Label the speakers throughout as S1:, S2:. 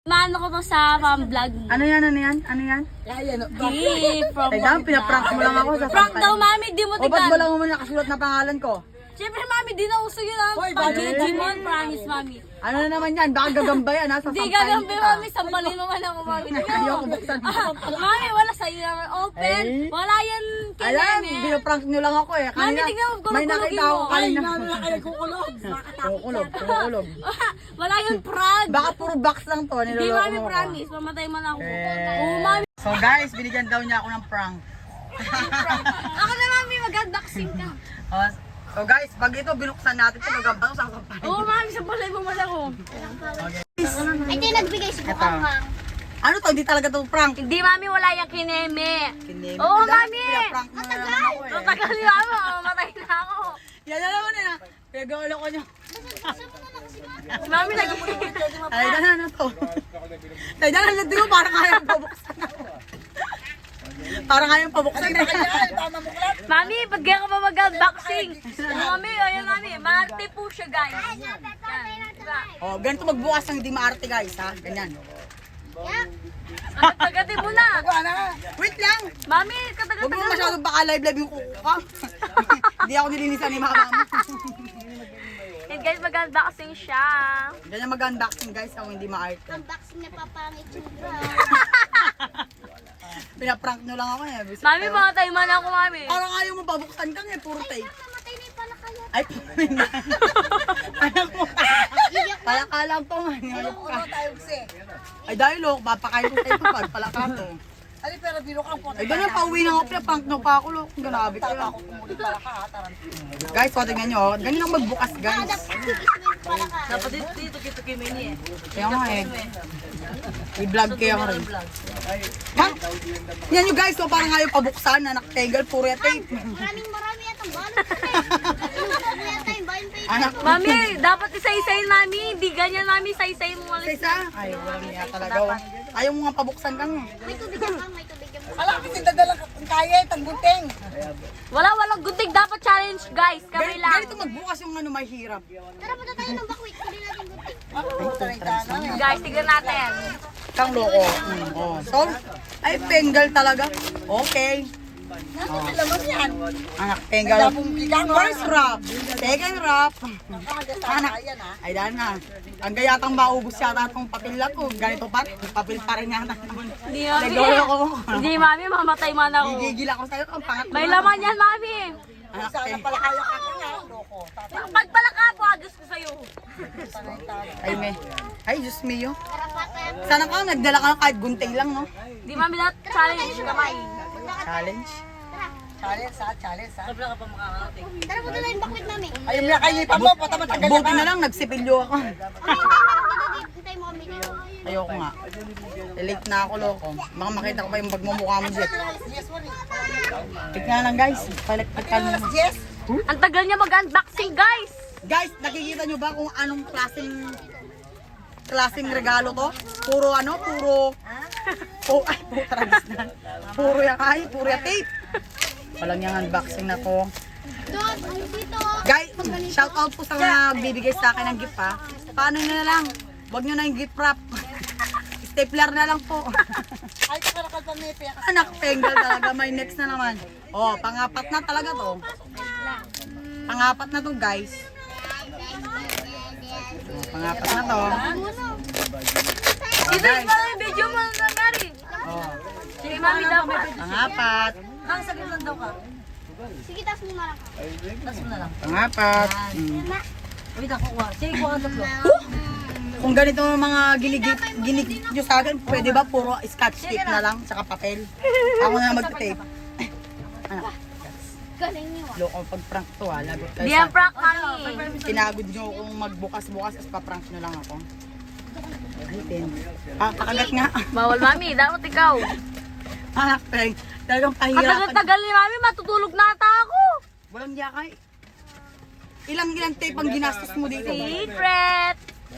S1: Maano ko to sa vlog.
S2: Ano yan? Ano yan? Ano yan?
S1: Di, from
S2: Ay, dam, pinaprank mo lang ako sa
S1: Prank daw, mami, di mo
S2: O, ba't
S1: tignan.
S2: wala mo nakasulat na pangalan ko?
S1: Siyempre, mami, di na uso yun. Pag-Digimon, promise, mami.
S2: Ano na naman yan? Baka gagamba yan, ha?
S1: Di gagambi, mami. Sampalin mo man ako, mami.
S2: Ayoko buksan.
S1: Mami, wala sa'yo naman open.
S2: Eh?
S1: Wala yan
S2: Alam,
S1: kineme.
S2: pinaprank nyo lang ako eh.
S1: Mami, tignan mo,
S2: may
S1: kulog-kulogin
S2: nakita ako
S1: mo.
S2: kanina.
S3: Kukulog.
S2: Kukulog.
S1: Wala yung prank.
S2: Baka puro box lang to,
S1: Di,
S2: niloloko
S1: mami,
S2: mo ko.
S1: promise. Mamatay man ako.
S2: Eh.
S1: Oo, mami.
S2: So guys, binigyan daw niya ako ng prank.
S1: Ako na, mami, mag-unboxing ka.
S2: So guys, pag ito binuksan natin ito, gagamba ito, sasampahin.
S1: Oo, mami, sampalin mo man ako.
S4: Ay, di nagbigay si Bukanghang.
S2: Ano to? Hindi talaga to prank.
S1: Hindi, mami, wala yung kineme.
S2: Kineme.
S1: Oo,
S2: Dahil
S1: mami.
S2: pinaprank mo na naman ako eh.
S1: Tagal niyo ako, mamatay na ako.
S2: Yan na naman eh. Pinagawala ko niyo.
S1: Si mami,
S2: Ay, dala na to. Ay, dala na dito. Parang kayang pabuksan ako. Parang kayang pabuksan na.
S1: Mami, ba't kaya ka pa mag-unboxing? Mami, ayun, mami. Marte po siya, guys. Yan. Diba?
S2: Oh, ganito magbukas ng hindi maarte guys ha. Ganyan.
S1: Tagatin mo na.
S2: Wait lang.
S1: Mami,
S2: Huwag
S1: katagatin
S2: mo
S1: mo.
S2: masyadong baka live yung kuko ka. Hindi ako nilinisan ni mama mo.
S1: And guys, mag-unboxing siya.
S2: Ganyan mag-unboxing guys ako hindi maarte.
S4: Unboxing na papangit sobra.
S2: Pinaprank nyo lang ako eh. Bisit
S1: Mami,
S2: kayo.
S1: mga tayo man ako, mami.
S2: Parang ayaw mo pabuksan kang eh. Puro tape.
S4: Namatay na yung palakayan.
S2: Ay, anak mo. Palakalang to man. Hayop ka. Ay dahil oh, papakain ko tayo pag palaka to.
S3: Ay, pero biro ka po.
S2: Ay ganyan, pauwi na ako. Pinaprank nyo pa ako. Lok. Grabe kayo. Guys, so tingnan nyo. Ganyan ang magbukas guys.
S3: Dapat dito kita kimini eh.
S2: Kaya nga eh. I-vlog kaya ka rin. Ha? Yan nyo guys, so parang ayaw pabuksan na nakatengal, puro yung tape.
S4: Marami yatang balot sa tayo. Yata yung bayan pa
S2: Anak ko.
S1: Mami, dapat isa-isayin, mami. Hindi ganyan, mami. Isa-isayin mo ulit.
S2: Isa? Ay, walang niya talaga. Oh. Ayaw mo nga pabuksan kang eh.
S4: May tubig yan kang, may tubig yan.
S3: Ala, kasi dadalang kaya itang gunting.
S1: Walang gunting. Dapat challenge, guys. Kami lang.
S2: Ganito magbukas yung ano may hirap.
S4: Tara, punta tayo ng bakwit. Kunin natin gunting.
S1: Guys, tignan natin.
S2: Kang loko. Oh. So, ay, pengal talaga. Okay.
S3: Laman yan.
S2: Anak, pengal. First wrap. Second wrap. Anak.
S3: Ayan ha.
S2: Ay, dahil na. Ang gayatang maubos yata itong papel na to. Ganito pa. Papel pa rin yata.
S1: Hindi, mami.
S2: Nagawala ko.
S1: Hindi, mami. Mamatay man ako.
S2: Gigigil ako sa'yo. Ang pangat.
S1: May laman yan, mami.
S2: Anak,
S3: Sana pala kaya ka nga. Loko.
S1: Pagpala ka po, agos ko sa'yo.
S2: ay, me. Ay, Diyos mio. Sana ka, nagdala ka ng kahit gunting lang, no?
S1: Hindi, mami. Dapat challenge kamay.
S2: Challenge.
S3: Challenge ha, challenge ha. Sobra ka pa makakarating.
S4: Tara, punta tayo ng bakwit namin.
S3: Ayun na kayo pa mo, pata matanggal
S2: Buti na lang, nagsipilyo ako.
S4: Hintay mo kami dito.
S2: Ayoko nga. Late na ako, loko. Baka makita ko pa yung pagmumukha mo, Jet.
S3: Yes, sorry.
S2: Tignan lang, guys. Palikpikan mo.
S3: Yes.
S1: Ang tagal niya mag-unboxing, guys.
S2: Guys, nakikita nyo ba kung anong klaseng regalo to? Puro ano, puro... Oh, ay, putragis na. Puro yung puro yung tape. Walang yung unboxing na to.
S4: Doon, ang dito.
S2: Guys, shout out po sa mga bibigay sa akin ng gift ha. Paano nyo na lang? Huwag nyo na yung gift wrap. Stapler na lang po.
S3: Ay, kakalakal pa may peka.
S2: Anak, pengal talaga. May next na naman. Oh, pangapat na talaga to. Pangapat na to, guys. Oh, pangapat na to.
S1: Dito yung mga video mo na Mary.
S2: Oh,
S1: Sige, mami, dapat.
S2: pangapat.
S3: Ang saglit lang daw ka.
S4: Sige, taas mo na lang.
S3: Tas mo na lang.
S2: Pangapat.
S3: Wait, ako kuha. Sige, kuha ka tatlo.
S2: Kung ganito ang mga ginig nyo sa akin, pwede ba puro scotch tape na lang, saka papel? Ako na lang mag-tape. Anak,
S4: Galing niyo.
S2: loko pag prank to ha, lagot kayo
S1: Di ang
S2: sa...
S1: prank, mami.
S2: Pinagod nyo kung magbukas-bukas, as pa-prank nyo lang ako. Ay, ten. Ah, pakagat nga.
S1: Bawal, mami. Dapat ikaw.
S2: Anak, talagang pahirapan.
S1: Katagal-tagal ni mami, matutulog na ata ako.
S2: Walang yakay. Ilang tape ang ginastos mo dito?
S1: Secret.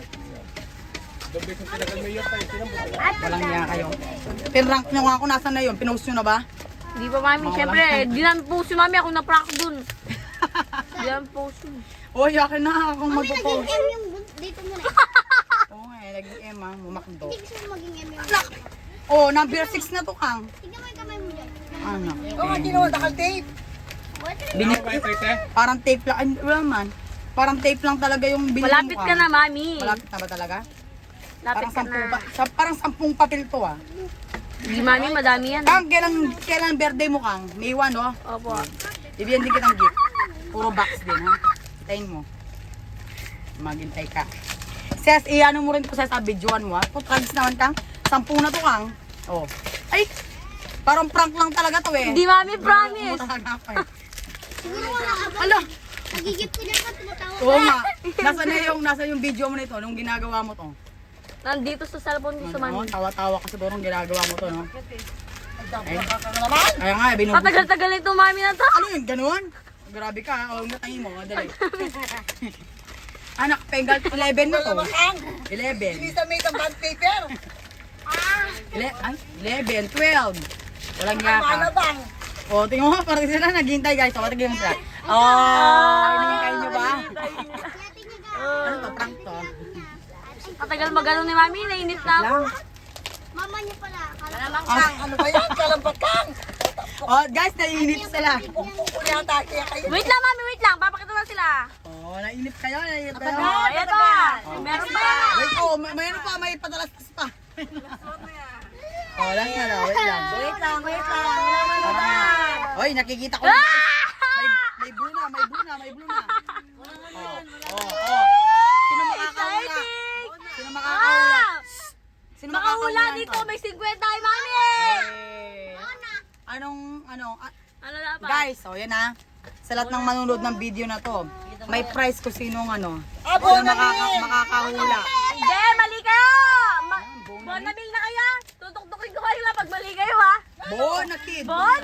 S2: Walang yakay yun. Pinrank nyo nga ako, nasan na yun? Pinost nyo na ba?
S1: Di ba, mami? Siyempre, di namin po si mami. Ako na-prank dun. Di namin po si.
S2: Uy, yakin na akong
S4: Mami,
S2: magpo-post.
S4: nag-M yung dito muna.
S2: Oo nga eh. naging Emma, mumakdo.
S4: Hindi gusto mo maging eme.
S2: Oh, number 6 na to, Kang.
S4: Tignan mo yung kamay mo dyan.
S2: Ano?
S3: Oo, nga ginawa, nakal tape.
S2: Parang tape lang. Ay, wala man. Parang tape lang talaga yung binili mo,
S1: Malapit ka
S2: Kang.
S1: na, mami.
S2: Malapit na ba talaga?
S1: Lapit
S2: Parang
S1: ka
S2: 10
S1: na.
S2: parang 10 papel to, ah.
S1: Hindi, mami, madami yan.
S2: Kang, kailan birthday mo, Kang? May 1, oh.
S1: Opo.
S2: Bibigyan din kitang gift. Puro box din, ha? Hintayin mo. Maghintay ka. Ses, i-ano mo rin ko sa videoan mo, ha? Putragis naman, Kang. 10 na to, Kang. Oh. Ay! Parang prank lang talaga to, eh.
S1: Hindi, mami, promise.
S2: Umutahan ako, eh.
S4: Siguro wala ka ba?
S2: Ala!
S4: Nagigip ko dyan ka, tumatawa.
S2: Oo nga. Nasa yung video mo nito, nung ginagawa mo to.
S1: Nandito sa cellphone ko sa
S2: Ano,
S1: mami.
S2: tawa-tawa ka siguro nung ginagawa mo to, no? Ay,
S3: naman.
S2: kaya nga, binubus.
S1: Matagal-tagal nito, mami, na to.
S2: Ano yun, ganun? Grabe ka, o natangin mo, dali. Anak, pengal, 11 na to. 11.
S3: Sinisa may isang band paper.
S2: Ay, 11, 12. Walang
S3: Ano
S2: yaka.
S3: bang?
S2: O, tingnan mo, parang sila naghihintay, guys. O, tingnan mo sila. Oh, hinihintay nyo ba? Ano to, prank to?
S1: Matagal magano ni mami, nainit na ako.
S2: Lang.
S4: Mama niya pala. Akala
S3: Alamang kang, ano ba yan? Kalambat kang.
S2: Oh, guys, naiinip sila.
S3: Pukpuk niya kaya kayo.
S1: Wait lang, mami, wait lang. Papakita lang sila.
S2: Oh, naiinip kayo, naiinip kayo.
S1: Oh, ito. Meron pa.
S2: Wait, oh, mayroon pa, may padalastas pa. Oh, lang na, wait lang.
S3: Wait lang. Wala man na ba?
S2: Oy, nakikita ko na, guys. May blue na, may blue na, may blue na. Oh. Sino makakahula? Sino makakahula?
S1: Ah!
S2: Sino
S1: Makahula
S2: nito?
S1: dito, may 50 tayo, mami.
S2: Ano,
S1: Ano na pa?
S2: guys, oh, yan na. Sa lahat ng manunod ng video na to, may prize kung sinong ano.
S3: Abo
S2: Sino
S3: na
S2: makakahula.
S1: Hindi, mali kayo. Bonabil na kaya. Tutok-tukin ko kayo lang pag mali kayo, ha?
S2: Bonakid!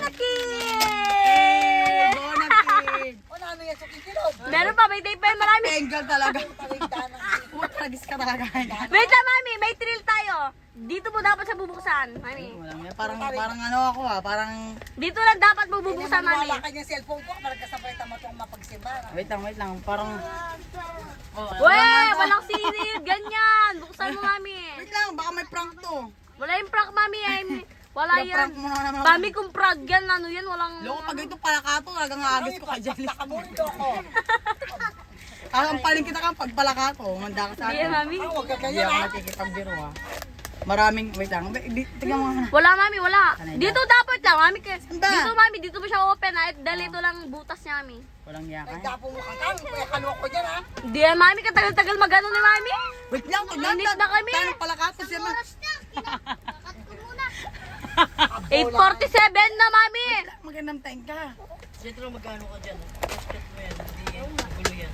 S1: Bonakid!
S2: Bonakid!
S3: O na ano yan, suking kilod.
S1: Meron pa, may tape pa yun, marami.
S2: Bengal talaga.
S3: Taligdan ng
S2: Putragis ka talaga.
S1: Wait lang, mami, may thrill tayo. Dito mo dapat siya bubuksan, mami.
S2: Walang yan. Parang ano ako parang...
S1: Dito lang dapat mo bubuksan, mami.
S3: Wala kanyang cellphone ko, maragkasabay tama itong mapagsimba.
S2: Wait lang. Parang...
S1: Weh, walang sinil, ganyan. Buksan mo, mami.
S2: Wait lang, baka may prank to.
S1: Wala yung prank, mami. Wala yan.
S2: Prank mo na naman.
S1: Mami, kung prank yan, ano yan, walang...
S2: Loko, pag ito pala ka to, talagang agis ko ka dyan.
S3: Nakamundo ko.
S2: Kakampaling kita kang pagpalaka ko. Manda ka sa
S1: Hindi yan,
S2: akin.
S1: mami.
S3: Huwag ka
S2: Hindi
S3: ganyan
S2: ako
S3: ha.
S2: nakikipagbiro ha. Maraming, wait lang. Tignan mo.
S1: Wala, mami, wala. Dito dapat lang, mami.
S2: ba?
S1: Dito, mami, dito mo siya open, ha? Dahil ito lang butas niya, mami.
S2: Walang yaka.
S3: Nagdapo mo kang kang, kaya kalwa ko dyan ha.
S1: Hindi yan, mami. Katagal-tagal magano ni mami.
S2: Wait lang,
S1: Init na kami.
S2: Tayo pala ka to siya.
S4: Oras na. Kakat ko muna.
S1: 8:47 na, mami.
S2: Magandang time ka.
S3: Siyempre magkano ka dyan? Basket mo yan, hindi gulo yan.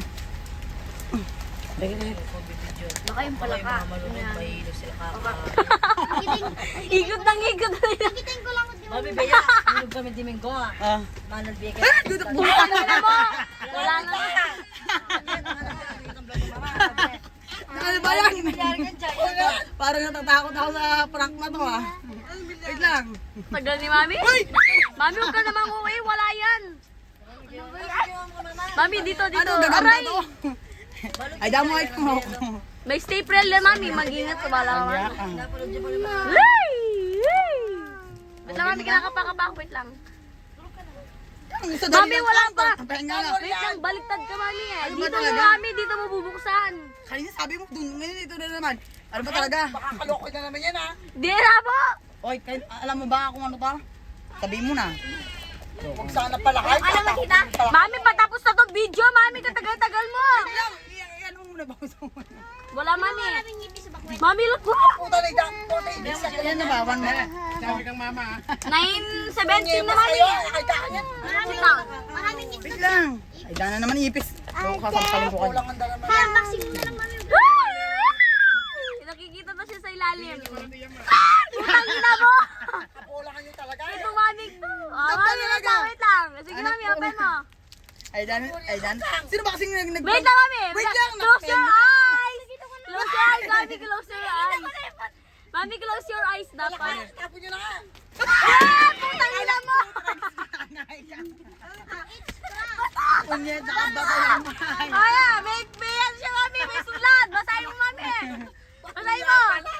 S1: Baka yung pala ka.
S3: Mahilo sila kaka.
S1: Ikot ng ikot.
S4: Kitain ko lang. Di ba?
S3: Mami Bea, hinog kami Domingo ha.
S2: Ah.
S3: Manal Bea ka.
S2: Dudok
S1: Ano na mo? Wala na.
S2: Ano ba yan? Parang natatakot ako sa prank na to ah. Wait lang.
S1: Tagal ni mami. Mami, huwag ka namang uwi. Wala yan. Mami, dito.
S2: Ano, gagamba
S1: Aray.
S2: to? Ay, damo ay ko.
S1: May staple na, mami. Mag-ingat ka. Bala ka, mami.
S2: Yaka.
S1: Hey! Hey! Wait lang, mami. Kinakapa-kapa ako. Wait lang. Mami, wala pa.
S2: Pahinga lang.
S1: Wait lang, baliktad ka, mami eh.
S2: Ano ba
S1: Dito mo,
S2: talaga?
S1: mami. Dito mo bubuksan.
S2: Kanina sabi mo, dun, ngayon ito na naman. Ano ba talaga?
S3: Baka kaloko na naman yan ha.
S1: Di na po.
S2: Oy, alam mo ba kung ano to? Sabi mo na.
S3: Huwag sana pala kayo.
S1: Ano makita? Mami, patapos na to video. Mami, katagal-tagal mo.
S2: Ano mo na ba?
S1: Wala, mami.
S4: Maraming ngipis sa bakwet.
S1: Mami, look mo.
S3: Puta na idang. Puta ibig sa
S2: Yan na ba? One minute.
S1: 9:17 na, mami.
S3: Nakita ka niyan.
S1: Wait lang.
S4: Maraming ngipis.
S2: Wait lang. Ay, dana naman ipis. So, kasampalin ko
S3: Kulang
S2: kanina.
S3: ang dala naman.
S4: Kaya unboxing mo na lang mami.
S1: Nakikita na siya sa ilalim. Putang ina mo.
S3: Kulang ka niyo talaga.
S1: Ito, mami. Mami, wait lang. Sige, mami, open mo.
S2: Ay, dan. Sino ba kasing nag...
S1: Wait lang, mami.
S2: Wait lang.
S1: Close your eyes. Close your eyes, mami. Close your eyes. Mami, close your eyes dapat.
S3: Tapo niyo na nga.
S1: Putang ina mo.
S2: Punyet, nakabata lang.
S1: Kaya, may yan siya, mami. May sulat. Basahin mo, mami. Basahin mo!